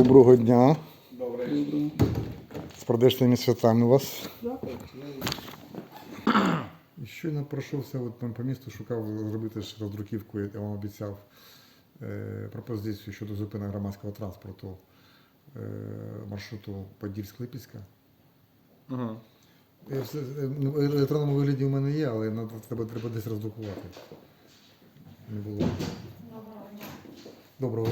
Доброго дня. Добре. З прийдешніми святами вас. Дякую. І щойно пройшовся по місту, шукав зробити ж роздруківку, я вам обіцяв пропозицію щодо зупинок громадського транспорту маршруту Подільськ-Липецька. Ага. В електронному вигляді у мене є, але треба десь роздрукувати. Не було. Доброго.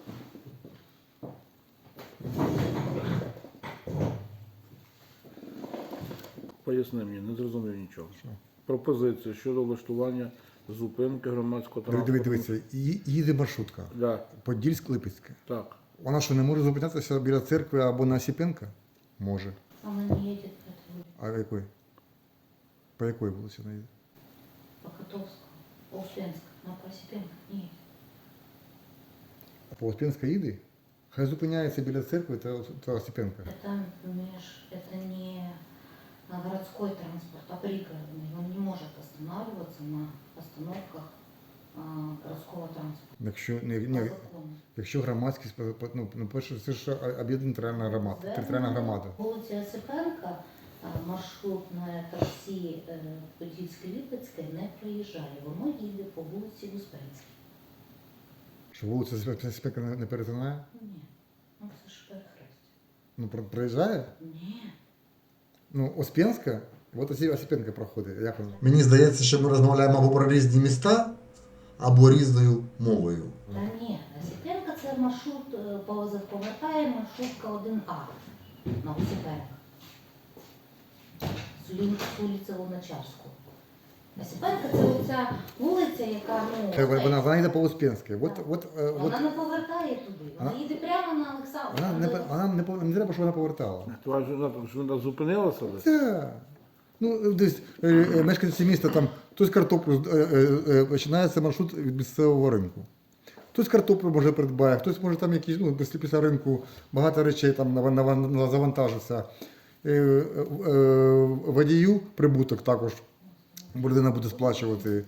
Поясни мені, не зрозумів нічого. Пропозиція щодо влаштування зупинки громадського транспорту. Дивіться, їде маршрутка. Да. Подільськ-Липецька. Так. Вона що, не може зупинятися біля церкви або на Осипенка? Може. Она не едет по этой улице, А якої? По якій вулиці вона їде? по Котовскому, по Успенску, но по Осипенко не едет. А по Успенська їде? Хай зупиняється біля церкви та Осипенка. Это не городской транспорт, а пригородный. Он не может останавливаться на остановках городского транспорта. По закону. Якщо громадськість, перше, це ж об'єднана територіальна громада. Вулиці Осипенка маршрутне таксі Подільське-Липецьке не проїжджає. Воно їде по вулиці Успенській. Що вулиця Осипенка не перетинає? Ні, ну це ж перехрестя. Ну, проїжджає? Ні. Ну, Успенська, от Осипенка проходить. Як воно? Мені здається, що ми розмовляємо або про різні міста, або різною мовою. Та ні, Осипенка це маршрут, повертає маршрутка 1А на Осипенка. З вулиці Луначарського. Осипенка це оця вулиця, яка, Вона йде по Успенській. Вона не повертає туди, вона їде прямо на Олександра. Вона не треба, щоб вона повертала. Твоя жена там що вона зупинилася десь? Так. Ну, десь мешканці міста там хтось картоплю починається маршрут від місцевого ринку. Хтось картоплю може придбає, хтось може там якісь, після ринку багато речей там завантажиться. Водію прибуток також людина буде сплачувати.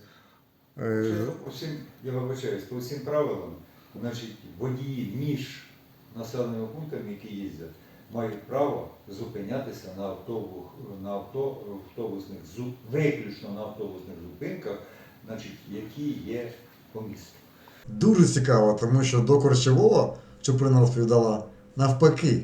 Я вибачаюсь, по всім правилам, значить, водії між населеними пунктами, які їздять, мають право зупинятися виключно на автобусних зупинках, значить, які є по місту. Дуже цікаво, тому що до Корчевого Чуприна розповідала навпаки.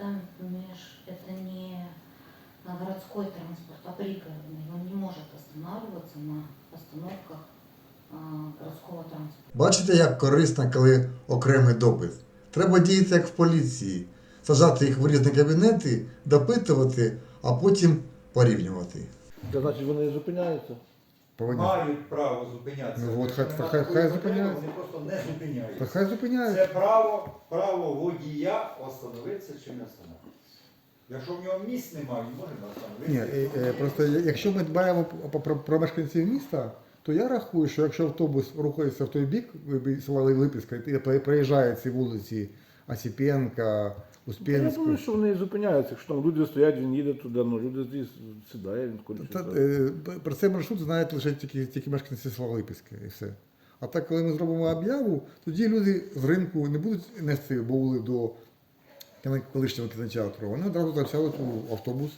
Это не городской транспорт, а пригородный. Он не может останавливаться на остановках городского транспорта. Бачите, як корисно, коли окремий допит. Треба діяти, як в поліції. Сажати їх в різні кабінети, допитувати, а потім порівнювати. Це значить вони зупиняються? Мають право зупинятися. Ну, от хай зупиняються. Вони просто не зупиняються. Та хай зупиняються. Це право водія остановитися чи не остановитися. Якщо в нього місць немає, він може не остановитися. Просто якщо ми дбаємо про мешканців міста, то я рахую, що якщо автобус рухається в той бік села Липецька і проїжджає ці вулиці Осипенка, Я Успенську. думаю, що вони зупиняються. Якщо там люди стоять, він їде туди, люди сідає, він кудись. Про цей маршрут знають лише тільки мешканці села Липецька і все. А так, коли ми зробимо об'яву, тоді люди з ринку не будуть нести баули до колишнього кінотеатру. Вони одразу сядуть у автобус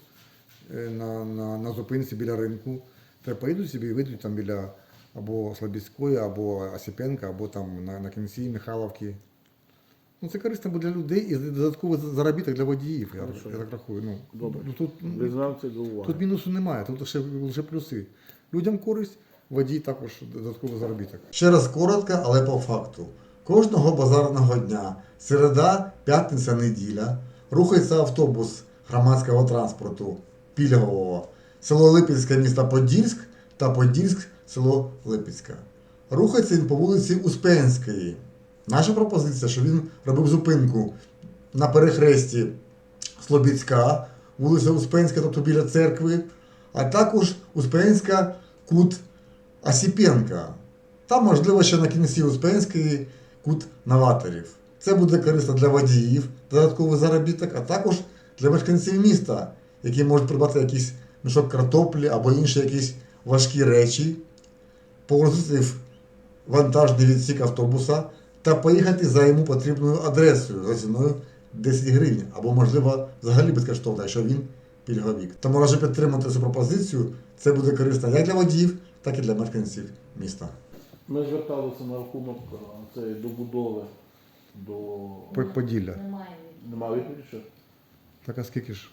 на зупинці біля ринку. Та поїдуть собі і вийдуть там біля або Слобідської, або Осипенка, або там на кінці Михайловки. Ну, це корисно буде для людей і додатковий заробіток для водіїв, я так рахую. Добре. Тут Визнав до уваги. тут мінусу немає, тут лише плюси. Людям користь, водій також додатковий заробіток. Ще раз коротко, але по факту. Кожного базарного дня, середа, п'ятниця, неділя, рухається автобус громадського транспорту пільгового. Село Липецьке, місто Подільськ та Подільськ, село Липецька. Рухається він по вулиці Успенської. Наша пропозиція, що він робив зупинку на перехресті Слобідська, вулиця Успенська, тобто біля церкви, а також Успенська, кут Осипенка. Там, можливо, ще на кінці Успенської кут Новаторів. Це буде корисно для водіїв, додатковий заробіток, а також для мешканців міста, які можуть придбати якийсь мішок картоплі або інші якісь важкі речі, погрузити в вантажний відсік автобуса та поїхати за йому потрібною адресою за ціною 10 гривень, або, можливо, взагалі безкоштовно, якщо він пільговік. Тому раджу підтримати цю пропозицію. Це буде корисно як для водіїв, так і для мешканців міста. Ми зверталися на рахунок цієї добудови до... Поділля. Немає. Нема відповіді ще? Так а скільки ж?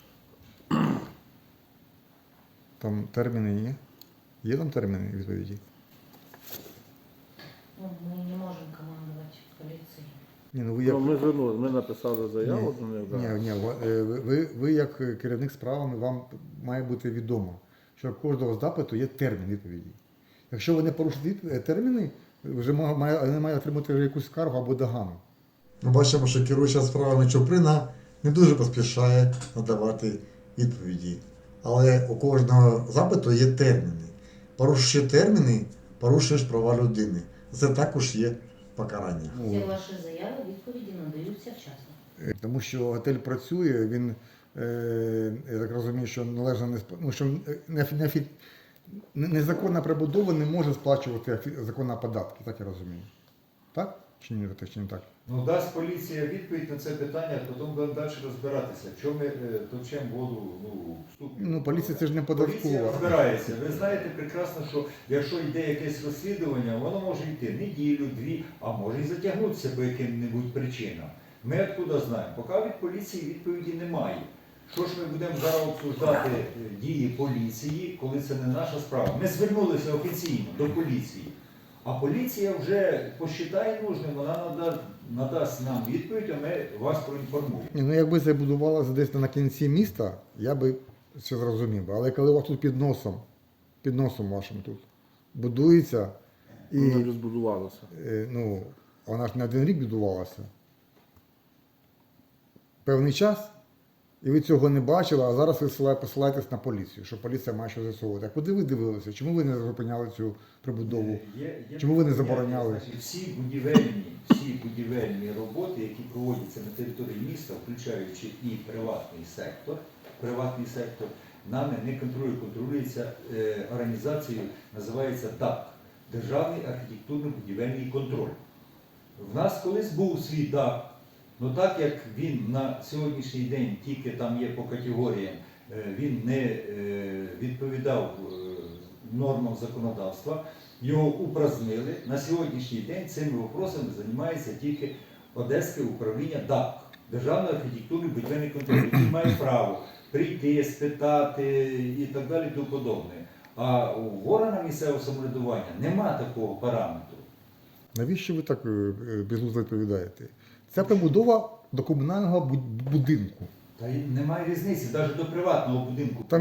Там терміни є? Є там терміни відповіді? Ну, мы не можем командовать полицией. Ні, ну ви Ну, ми звернули, ми написали Ні, заяву до них. да. ні, ви як керівник справами, вам має бути відомо, що в кожного запиту є термін відповіді. Якщо ви не порушите терміни, вже вони мають отримати якусь скаргу або догану. Ми бачимо, що керуюча справами Чуприна не дуже поспішає надавати відповіді. Але у кожного запиту є терміни. Порушуючи терміни, порушуєш права людини. Це також є покарання. Всі ваші заяви, відповіді надаються вчасно. Тому що готель працює, він, я так розумію, що належно ну, що незаконна прибудова не може сплачувати законні податки, так я розумію. Так? Чи не так? Ну, дасть поліція відповідь на це питання, потім будемо далі розбиратися. Чому ми точимо воду в ступі? Ну, поліція це ж не Поліція податкова. розбирається. Ви знаєте прекрасно, що якщо йде якесь розслідування, воно може йти неділю, дві, а може і затягнутися по яким-небудь причинам. Ми откуда знаємо? Поки від поліції відповіді немає. Що ж ми будемо зараз обсуждати дії поліції, коли це не наша справа? Ми звернулися офіційно до поліції. А поліція вже посчитає нужним, вона надасть нам відповідь, а ми вас проінформуємо. Ні, ну якби це будувалося десь на кінці міста, я би це зрозумів. Але коли у вас тут під носом вашим тут будується, і Вона вже збудувалася. ну, вона ж не один рік будувалася. Певний час, і ви цього не бачили, а зараз ви посилаєтесь на поліцію, що поліція має що з'ясовувати. А куди ви дивилися? Чому ви не зупиняли цю прибудову? Чому ви не забороняли? Значить, всі будівельні роботи, які проводяться на території міста, включаючи і приватний сектор, нами не контролюється організацією, називається ДАК – Державний архітектурно-будівельний контроль. В нас колись був свій ДАК, але так як він на сьогоднішній день тільки там є по категоріям, він не відповідав нормам законодавства, його упразднили. На сьогоднішній день цими вопросами займається тільки Одеське управління ДАК, Державний архітектурний будівельний контроль, який має право прийти, спитати і так далі, тому подобне. А у органах місцевого самоврядування нема такого параметру. Навіщо ви так безглуздо відповідаєте? Це прибудова до комунального будинку. Та й немає різниці, навіть до приватного будинку. Та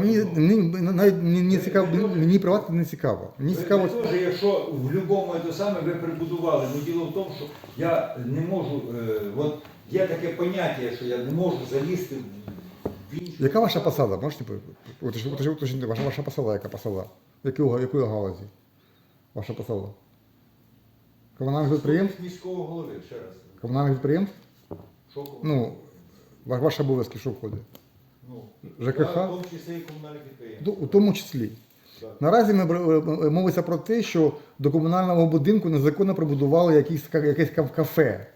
мені цікаво, мені приватно не цікаво. Мені цікаво. Ви теж, якщо в будь-якому те саме ви прибудували, ну діло в тому, що я не можу, от є таке поняття, що я не можу залізти в іншу. Яка ваша посада? Можете уточнити? Ваша посада, яка посада? Якої галузі? Ваша посада? Комунальних підприємств? Міського голови, ще раз. Комунальних підприємств? Що кого? Ну, ваші обов'язки що входить? Ну, ЖКХ? В тому числі і комунальних підприємств. У тому числі. Так. Наразі мовиться про те, що до комунального будинку незаконно прибудували якесь кафе.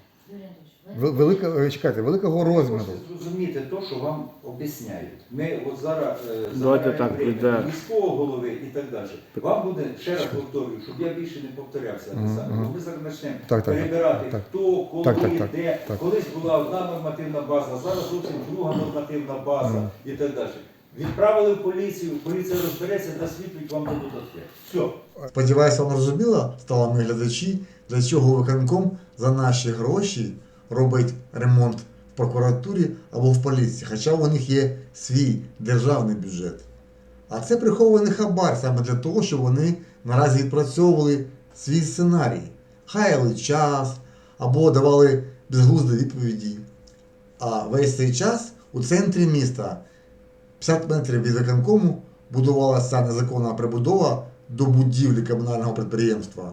Юрій Анатолійович, ви Великого Ви розміру. можете зрозуміти те, що вам об'ясняють. Ми от зараз Давайте так, время йде. міського голови і так далі. Вам буде, ще раз повторюю, щоб я більше не повторявся. Бо ми зараз почнемо Так. перебирати, хто, коли, Так. де. Колись була одна нормативна база, зараз зовсім друга нормативна база і так далі. Відправили в поліцію, поліція розбереться, дасть відповідь, вам дадуть відповідь. Все. Сподіваюся, вам зрозуміло, стало мої глядачі, для чого виконком за наші гроші робить ремонт в прокуратурі або в поліції, хоча у них є свій державний бюджет. А це прихований хабар саме для того, щоб вони наразі відпрацьовували свій сценарій. Хаяли час або давали безглузді відповіді. А весь цей час у центрі міста 50 метрів від виконкому будувалася незаконна прибудова до будівлі комунального підприємства.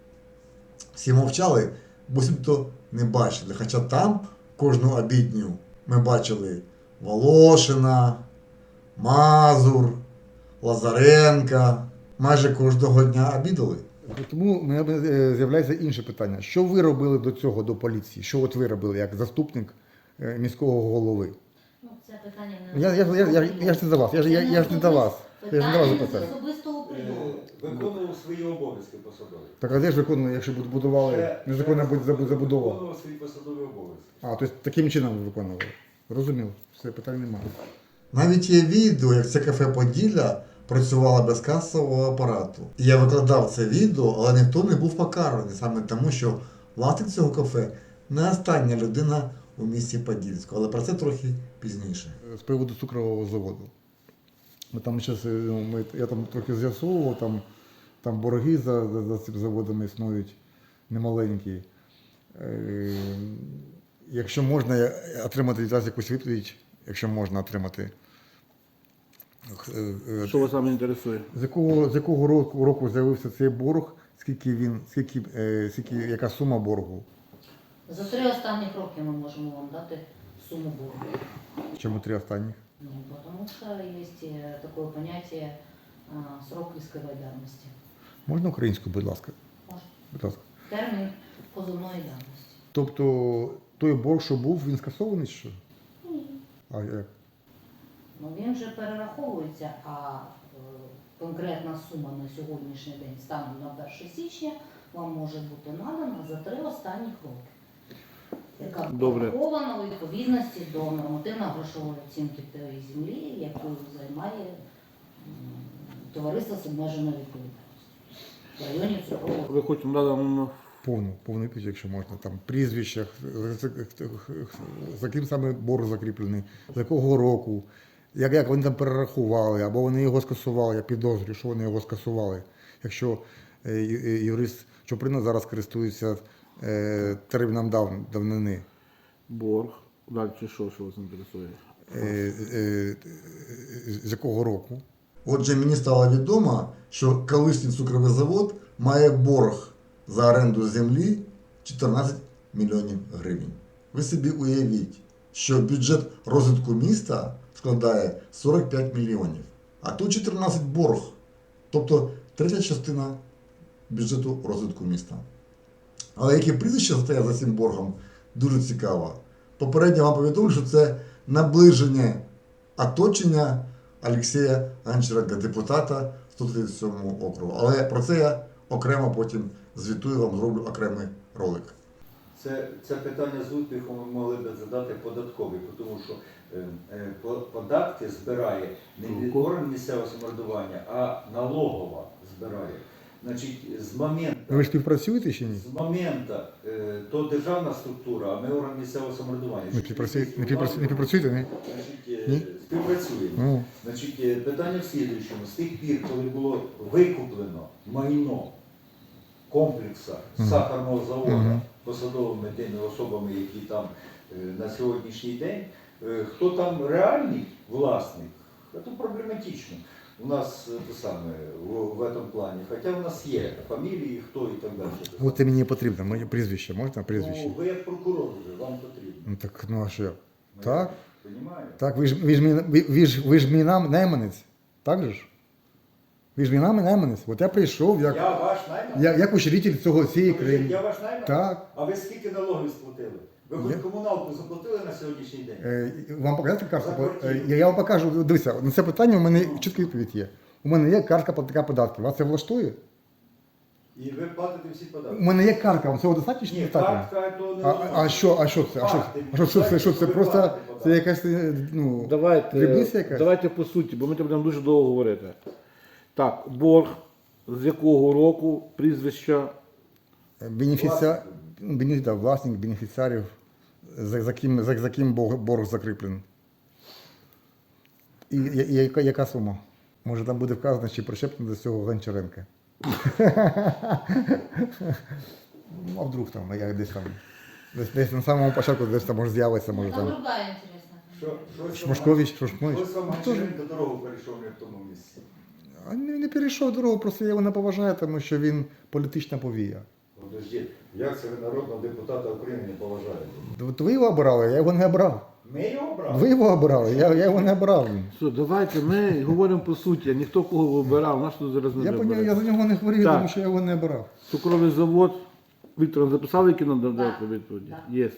Всі мовчали, буцімто не бачили. Хоча там кожну обідню ми бачили Волошина, Мазур, Лазаренка. Майже кожного дня обідали. Тому у мене з'являється інше питання. Що ви робили до цього, до поліції? Що от ви робили як заступник міського голови. Ну, це питання Я ж не до вас, я ж не до вас. Я ж не до вас Питання з запитаю. особистого прийому. Виконував свої обов'язки посадові. Так а де ж виконували, якщо будували незаконна забудова? Виконував свої посадові обов'язки. А, тобто таким чином ви виконували. Розумів, все, питань немає. Навіть є відео, як це кафе Поділля працювало без касового апарату. І я викладав це відео, але ніхто не був покараний, саме тому, що власник цього кафе не остання людина у місті Подільську. Але про це трохи пізніше. З приводу цукрового заводу. Я там трохи з'ясовував, там борги за цим заводом існують немаленькі. Якщо можна отримати від вас якусь відповідь, якщо можна отримати. Що вас саме інтересує? З якого року з'явився цей борг, яка сума боргу? За 3 останніх роки ми можемо вам дати суму боргу. Чому 3 останніх? Ну, потому что есть такое понятие срок исковой давности. Можна українською, будь ласка? Можно. Будь ласка. Термін позовної давності. Тобто той борг, що був, він скасований чи що? Ні. А як? Ну, він вже перераховується, а конкретна сума на сьогоднішній день станом на 1 січня вам може бути надана за 3 останніх роки. Яка Добре. врахована у відповідності до нормативно-грошової оцінки тієї землі, яку займає товариство з обмеженою відповідальністю в районі цукрового. Ви хочете надати нам Повну відповідь, якщо можна. Там прізвища, за ким саме борг закріплений, з якого року, як вони там перерахували, або вони його скасували, я підозрюю, що вони його скасували. Якщо юрист Чуприна зараз користується терміном давнини. борг. Далі що вас інтересує? З якого року. Отже, мені стало відомо, що колишній цукровий завод має борг за оренду землі 14 мільйонів гривень. Ви собі уявіть, що бюджет розвитку міста складає 45 мільйонів, а тут 14 борг, тобто третя частина бюджету розвитку міста. Але які прізвища стоять за цим боргом, дуже цікаво. Попередньо вам повідомлю, що це наближення оточення Олексія Гончаренка, депутата 137 округу. Але про це я окремо потім звітую, вам зроблю окремий ролик. Це питання з успіхом ми могли б задати податковий, тому що податки збирає не орган місцевого самоврядування, а налогова збирає. Значить, з моменту, Ви ж співпрацюєте чи ні? з моменту то державна структура, а ми орган місцевого самоврядування. Не співпрацюєте, ні? Значить, Ні? співпрацюємо. Ну, Значить, питання в слідуючому. З тих пір, коли було викуплено майно комплексу сахарного заводу посадовими тими особами, які там на сьогоднішній день, хто там реальний власник, це проблематично. У нас те саме в этом плані. Хоча в нас є фамілії, хто і так далі. от це мені потрібно, моє прізвище, можна прізвище? Ну, ви як прокурор вже, вам потрібно. Ну так, ну а що? Так? Понімаєте? Так, ви ж мій найманець, так же ж? Ви ж мій найманець. От я прийшов Я ваш найманець? як учитель цієї країни. Я ваш найманець? Так. А ви скільки налогів сплатили? Ви хоч комуналку заплатили на сьогоднішній день? Вам показати картку? За квартиру. Я вам покажу. Дивіться, на це питання у мене чітка відповідь є. У мене є картка платника податків. Вас це влаштує? І ви платите всі податки? У мене є картка, вам цього достатньо чи Ні, недостатньо? картка то не А що це? Що це? Просто це якась, ну, дрібниця якась? Давайте по суті, бо ми там будемо дуже довго говорити. Так, борг, з якого року, прізвища, Власник, бенефіціарів, за ким борг закріплений. І яка сума? Може там буде вказано, чи причеплено до цього Гончаренка. Ну, а вдруг там, я десь на самому початку, десь там може з'явиться, може Там там. другая интересная. Шмашкович, Шушмович. Ось вам Гончаренко дорогу перейшов не в тому місці. А не перейшов дорогу, просто я його не поважаю, тому що він політична повія. Подождіть, як це ви народного депутата України не поважаєте? От ви його обирали, я його не обрав. Ми його брали? Ви його обирали, я його не обирав. Все, давайте ми говоримо по суті, ніхто кого вибирав, нас тут зараз не Я за нього не хворію, Так. тому що я його не обирав. Цукровий завод. Віктор, записали, які нам дати відповіді? Так. Є.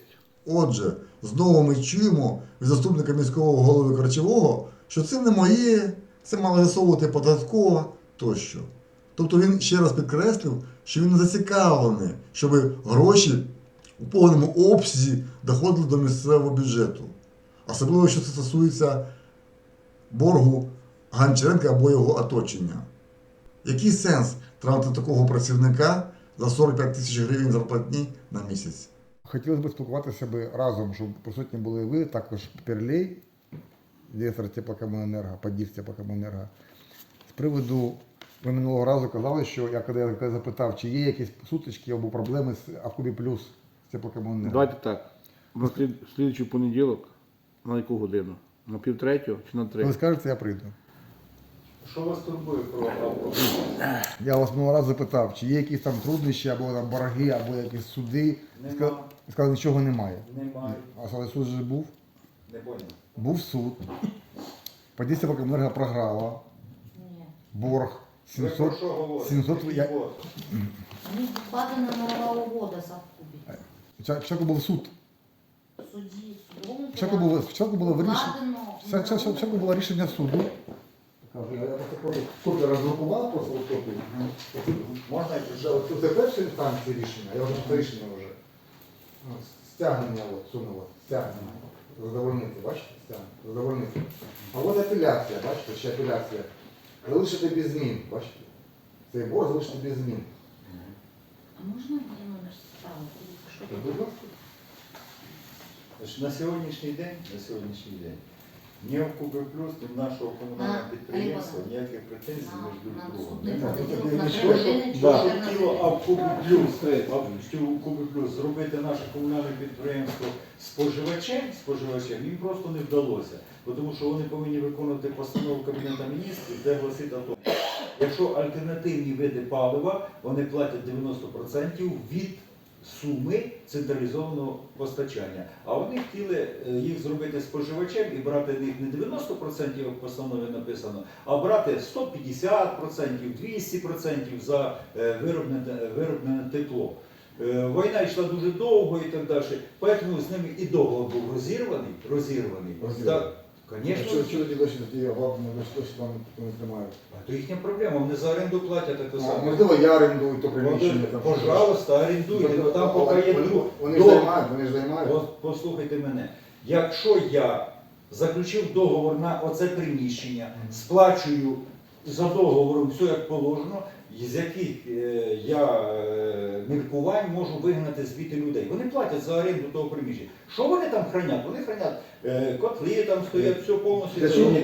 Отже, знову ми чуємо від заступника міського голови Корчового, що це не моє, це мала з'ясовувати податкова тощо. Тобто він ще раз підкреслив, що він не зацікавлений, щоб гроші у повному обсязі доходили до місцевого бюджету. Особливо, що це стосується боргу Гончаренка або його оточення. Який сенс тратити такого працівника за 45 тисяч гривень зарплатні на місяць? Хотілося б спілкуватися разом, щоб присутні були ви, також Перлей, директор теплокомуненерго, подів теплокомуненерго. З приводу, ви минулого разу казали, що коли я запитав, чи є якісь сутички або проблеми з Авкубі Плюс з теплокомуненерго. Давайте так. На слідчий понеділок, на яку годину? На 2:30 чи на 3? Ви скажете, я прийду. Що вас турбує про Авкуб? Я вас минулого разу запитав, чи є якісь там труднощі, або там борги, або якісь суди. Нема. Сказали, нічого немає. Немає. Але суд же був. Не понял. Був суд. Подів теплокомуненерго програла. Ні. Борг Ви 700. про що говорите? 700 Який я- борг? Мені вкладена мирова угода з Авкубі. Спочатку був суд. В суді, судовому Спочатку було вирішення. вкладено Спочатку було рішення суду. Я просто суд роздрукував просто копію. Можна це перша інстанція рішення, я вже це рішення вже. Стягнення сунуло, стягнення. Задовольнити, бачите? Стягнення. Задовольнити. А от апеляція, бачите, ще апеляція. Залишити без змін, бачите? Цей борг залишити без змін. А можна мені номер справи? Що Будь ласка. Значить, на сьогоднішній день ні в Куби Плюс, ні в нашого комунального підприємства ніяких претензій між друг другом немає. Що хотіло Авкубі Плюс зробити наше комунальне підприємство споживачем, їм просто не вдалося. Тому що вони повинні виконувати постанову Кабінету Міністрів, де гласить о тому, якщо альтернативні види палива, вони платять 90% від суми централізованого постачання. А вони хотіли їх зробити споживачем і брати них не 90%, як в постанові написано, а брати 150%, 200% за вироблене тепло. Війна йшла дуже довго і так далі, тому з ними і договор був розірваний. Так, звісно. Чого тоді досі там не тримають? А то їхня проблема, вони за оренду платять таке саме. Можливо, я орендую то приміщення. Пожалуйста, орендуйте, але там поки є друг. Вони ж займають. Послухайте мене. Якщо я заключив договор на оце приміщення, сплачую за договором все як положено, з яких я міркувань можу вигнати звідти людей. Вони платять за оренду того приміщення. Що вони там хранять? Вони хранять котли, там стоять, все повністю.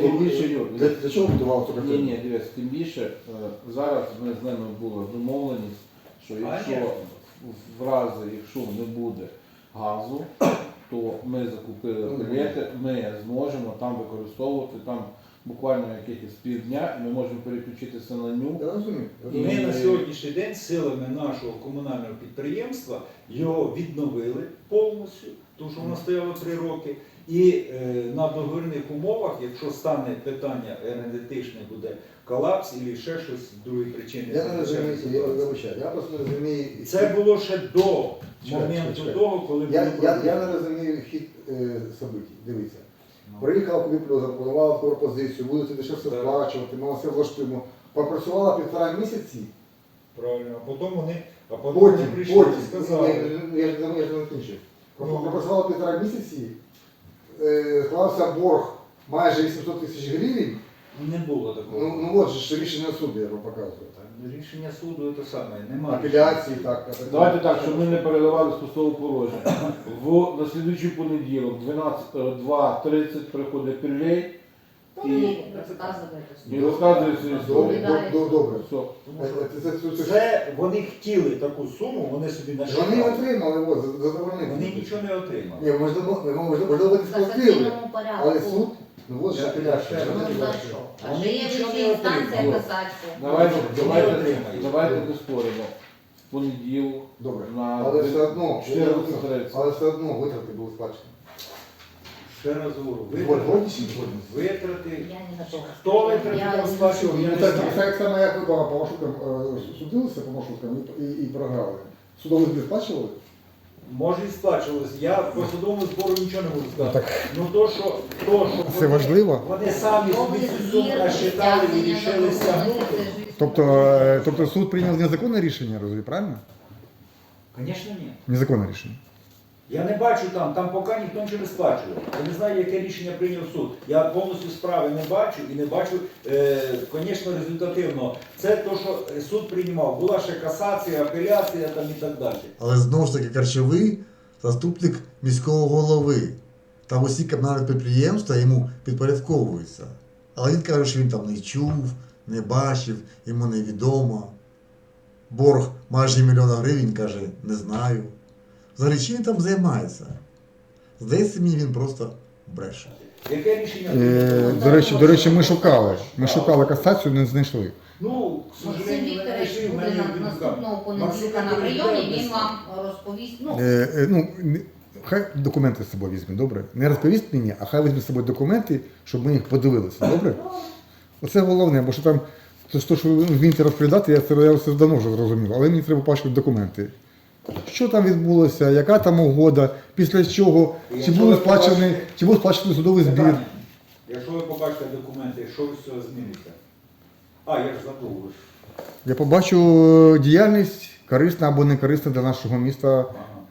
Для чого будували цю картину? Ні, дивіться, тим більше зараз ми з ними була домовленість, що якщо якщо не буде газу, то ми закупили білети, ми зможемо там використовувати там буквально якихось півдня, і ми можемо переключитися на ню. Я розумію. Ми на сьогоднішній день силами нашого комунального підприємства його відновили повністю, тому що воно стояло 3 роки. І на договірних умовах, якщо стане питання енергетичне, буде колапс або ще щось з другої причини. Я не розумію, я просто не розумію. Це було ще до Чекай. моменту того, коли Я було не розумію хід событий. Дивіться. Приїхав Кубіплю, запропонувала таку пропозицію, будете дешевше Так. сплачувати, ми все влаштуємо. Попрацювала 1,5 місяці, правильно, а потім вони потім, прийшли і сказали. я ж не закінчив. Попрацювала 1,5 місяці, склався борг майже 800 тисяч гривень. Не було такого. Ну от же ж рішення суду, я вам показую. Рішення суду це саме, немає. Апеляції, так. Давайте так, щоб ми не переливали з пустого порожня. На слідуючий понеділок 2:30 приходить Перлей Ні, розказуйте. і розказує свою історію. Добре. Все. Це вони хотіли таку суму, вони собі Вони нашли. отримали, задовольнили. Вони нічого не отримали. Ні, можливо, ви В сплатили, касаційному порядку. але суд, ну от ж апеляція. Ну, за що? А Вони ще є нічого вища не інстанція отримали. касація. Давайте не споримо. В понеділок Добре. на Але все одно, 14:30. але все одно витрати були сплачені. Ще раз говорю, Згодні чи не згодні? витрати. Я не на то. Хто витрати Я там не сплачував, я Ну, не так знаю. само, як ви по маршруткам судилися по маршруткам і програли. Судовий збір сплачували? Може і сплачувалося. Я по судовому збору нічого не можу сказати. Ну то, що Це важливо. вони самі собі цю суму насчитали і рішили стягнути. Тобто суд прийняв незаконне рішення, розумієте, правильно? Звісно, ні. Незаконне рішення. Я не бачу там поки ніхто нічого не сплачує. Я не знаю, яке рішення прийняв суд. Я повністю справи не бачу і не бачу, звісно, результативно. Це те, що суд приймав. Була ще касація, апеляція там і так далі. Але знову ж таки Карчевий заступник міського голови. Там усі комунальні підприємства йому підпорядковуються. Але він каже, що він там не чув, не бачив, йому невідомо. Борг майже 1 мільйон гривень, каже, не знаю. Взагалі, чим він там займається? Здається, мені він просто бреше. Яке рішення? До речі, ми шукали. Ми шукали касацію, не знайшли. Ну, к Максим сожалению, Вікторович знайшли, в буде мене наступного понеділка Максим на прийомі, Вікторович він вам розповість. Хай документи з собою візьме, добре? Не розповість мені, а хай візьме з собою документи, щоб ми їх подивилися, добре? Оце головне, бо що там, що ви вмієте розповідати, я все давно вже зрозумів, але мені треба бачити документи. Що там відбулося, яка там угода, після чого, чи був сплачений судовий збір. Питання. Якщо ви побачите документи, що з цього зміниться? А, я ж забув. ви ж. Я побачу діяльність корисна або не корисна для нашого міста.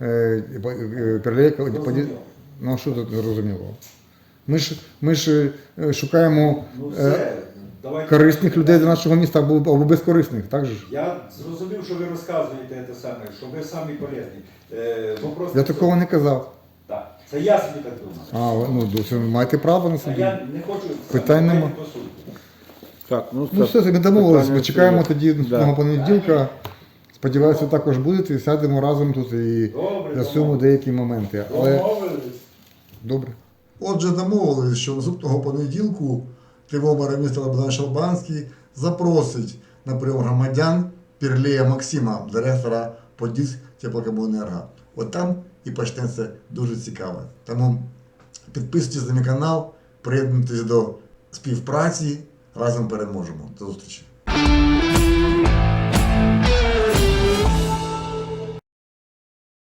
Зрозуміло. Ну, що тут зрозуміло? Ми ж шукаємо Ну все, давайте. корисних людей для нашого міста або безкорисних, так же ж? Я зрозумів, що ви розказуєте те саме, що ви самі полезні. Вопрос Я не в такого цьому. не казав. Так, це я собі так думаю. Це маєте право на А собі. я не хочу Питань саме нема. по суті. Так, Ну все, ми домовились, питання ми чекаємо це- тоді Да. наступного понеділка. Сподіваюся, ви також будете і сядемо разом тут і Добре, з'ясуємо домовились. деякі моменти. Але Домовились. добре. Отже, домовились, що наступного понеділку тривомера міста Богдан Шалбанський запросить на прийом громадян Пірлея Максима, директора Подільськ теплокомуненерго. От там і почнеться дуже цікаво. Тому підписуйтесь на мій канал, приєднуйтесь до співпраці, разом переможемо. До зустрічі.